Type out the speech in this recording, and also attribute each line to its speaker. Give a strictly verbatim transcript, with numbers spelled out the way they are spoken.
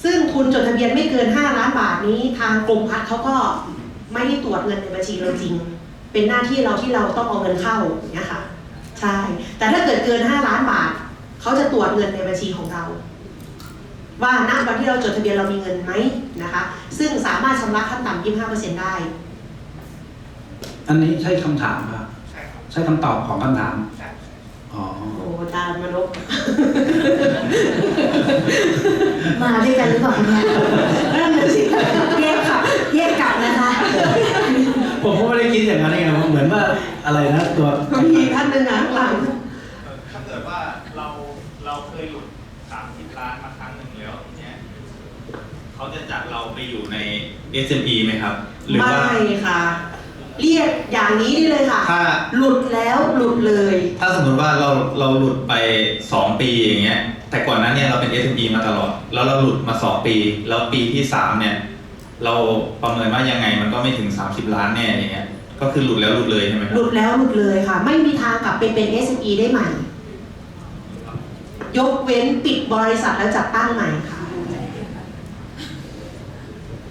Speaker 1: ซึ่งทุนจดทะเบียนไม่เกินห้าล้านบาทนี้ทางกรมพัฒน์เขาก็ไม่ได้ตรวจเงินในบัญชีเราจริงเป็นหน้าที่เราที่เราต้องเอาเงินเข้าอย่างเงี้ยค่ะใช่แต่ถ้าเกิดเกินห้าล้านบาทเขาจะตรวจเงินในบัญชีของเราว่าณวันที่เราจดทะเบียนเรามีเงินไหมนะคะซึ่งสามารถชำระขั้นต่ำ ยี่สิบห้าเปอร์เซ็นต์ ได้
Speaker 2: อันนี้ใช่คำถามครับ
Speaker 3: ใช่ครับ
Speaker 2: ใช่คำตอบของคำถาม
Speaker 3: ใช่
Speaker 2: อ๋อ
Speaker 1: โอ้ตามมานพ
Speaker 4: มาด้วยกันหรือเปล่าเนี่ยเริ่มเลยสิแยกขับแยกกลับนะคะ
Speaker 2: ผมก็ไม่ได้คิดอย่างนั้นเองนะเหมือนว่าอะไรนะตัว
Speaker 1: มีท่านหนึ่งนะข้างหลัง
Speaker 3: ถ้าเกิดว่าเราเราเคยหลุดสามสิบล้านมาครั้งหนึ่งแล้วทีเนี้ยเขาจะจัดเราไปอยู่ใน เอส เอ็ม อี ไหมครับหรือว่า
Speaker 1: ไม่ค่ะ เรียกอย่างนี้ได้เลยค่ะ
Speaker 3: ถ้า
Speaker 1: หลุดแล้วหลุดเลย
Speaker 3: ถ้าสมมติว่าเราเราหลุดไปสองปีอย่างเงี้ยแต่ก่อนนั้นเนี่ยเราเป็น เอส เอ็ม อี มาตลอดแล้วเราหลุดมาสองปีแล้วปีที่สามเนี่ยเราประเมินว่ายังไงมันก็ไม่ถึงสามสิบล้านแน่อย่างเงี้ยก็คือหลุดแล้วหลุดเลยใช่ไหมครั
Speaker 1: หลุดแล้วหลุดเลยค่ะ ไม่มีทางกลับไปเป็น เอส เอ็ม อี ได้ใหม่ ยกเว้นปิดบริษัทแล้วจัดตั้งใหม่ค่ะ